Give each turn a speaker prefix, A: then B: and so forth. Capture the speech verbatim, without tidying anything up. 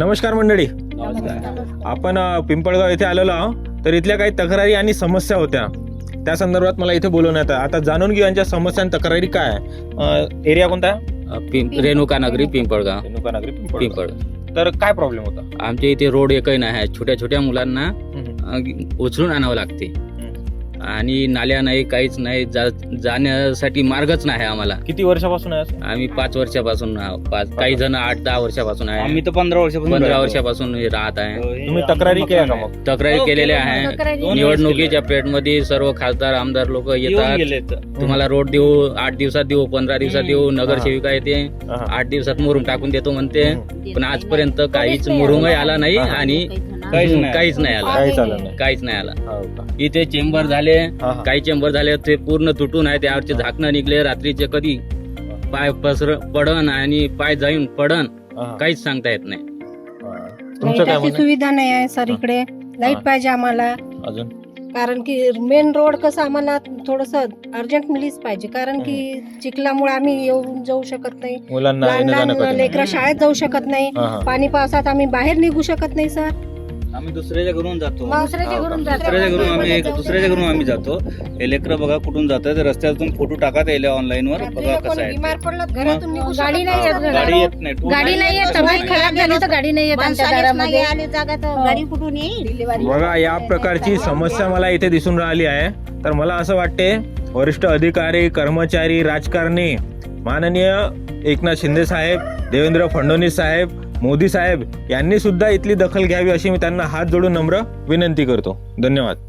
A: नमस्कार मंडळी,
B: नमस्कार.
A: आपण अ, पिंपळगाव येथे आलेलो आहोत. तर इथल्या काही तक्रारी आणि समस्या होत्या, त्या संदर्भात मला इथे बोलवण्यात आलं. आता जाणून घेऊ यांच्या समस्या आणि तक्रारी काय आहे. एरिया कोणता?
B: पिंप रेणुका नगरी पिंपळगाव
A: रेणुका नगरी पिंपळ.
B: पिंपळ.
A: तर काय प्रॉब्लेम होता?
B: आमच्या इथे रोड एकही नाही आहे. छोट्या छोट्या मुलांना
A: हम्म.
B: अ, उचलून आणावं लागते
A: हम्म.
B: आणि नाल्या नाही, काहीच नाही. जा- जाण्यासाठी मार्गच नाही आम्हाला.
A: किती वर्षापासून आहे असं?
B: आम्ही पाच वर्षापासून आहो. पाच काही जण आठ दहा वर्षापासून आहे.
C: आम्ही तर पंधरा वर्षापासून
B: पंधरा
C: राहतो.
B: वर्षापासून हे राहत आहे.
A: तुम्ही तक्रारी केल्या का मग?
B: तक्रारी
C: हो,
B: केलेल्या
C: केलं.
B: आहे.
C: तक्रारी-
B: निवडणुकीच्या पिरियड मध्ये सर्व खासदार आमदार लोक
C: येऊन
B: येतात.
C: गेले
B: तुम्हाला रोड देऊ, आठ दिवसात देऊ, पंधरा दिवसात देऊ. नगरसेविका येते,
A: हा.
B: आठ दिवसात मुरुम टाकून देतो म्हणते.
A: हम्म.
B: पण आजपर्यंत काहीच मुरुमही आला नाही
A: हा.
B: आणि
C: काहीच नाही.
B: काहीच नाही आला.
A: काही चाललं नाही.
B: काहीच नाही आला.
A: हो का?
B: इथे चेंबर झाले,
A: हा, हा.
B: काही चेंबर झाले ते पूर्ण तुटून आहे. त्यावरचे झाकणं निघले. रात्रीचे कधी पाय पसर पडन आणि पाय जाऊन पडन
A: हा, हा.
B: काहीच सांगता येत नाही.
A: हा. तुमचं काय
D: लाईटाची
A: म्हणणं?
D: सुविधा नाही आहे सर इकडे. लाईट
A: हा.
D: पाहिजे आम्हाला,
A: अजून
D: कारण की मेन रोड कसं आम्हाला थोडस अर्जंट मिलीच पाहिजे, कारण की चिखलामुळे आम्ही येऊन जाऊ शकत नाही.
A: मुलांना
D: लहान
A: येणं जाणं
D: लहान
A: कठीण आहे.
D: लेकरं शाळेत जाऊ शकत नाही.
A: हा, हा.
D: पाणी पावसात आम्ही बाहेर निघू शकत नाही सर.
C: आम्ही दुसऱ्याच्या घरून जातो
D: दुसऱ्याच्या घरून जातो.
C: दुसऱ्याच्या घरून आम्ही एक- दुसऱ्याच्या घरून आम्ही जातो. हे लेकरं बघा कुठून जातात. रस्त्यातून फोटो टाकत येईल ऑनलाईन वर. बघा कसं
D: कोणी
C: आहे
D: बिमार
C: ते.
D: पडलं घरातून निघू शकत
E: गाडी नाही
D: नाही.
E: येत.
C: गाडी येत नाही. टू
E: गाडी नाही येत. तब्येत खराब झाली तर गाडी नाही येत आमच्या दारामध्ये.
D: गाडी कुठून येईल?
A: बघा, या प्रकारची समस्या मला इथे दिसून राहिली आहे. तर मला असं वाटते वरिष्ठ अधिकारी, कर्मचारी, राजकारणी, माननीय एकनाथ शिंदे साहेब, देवेंद्र फडणवीस साहेब, मोदी साहेब यांनी सुद्धा इथली दखल घ्यावी अशी मी त्यांना हात जोडून नम्र विनंती करतो. धन्यवाद.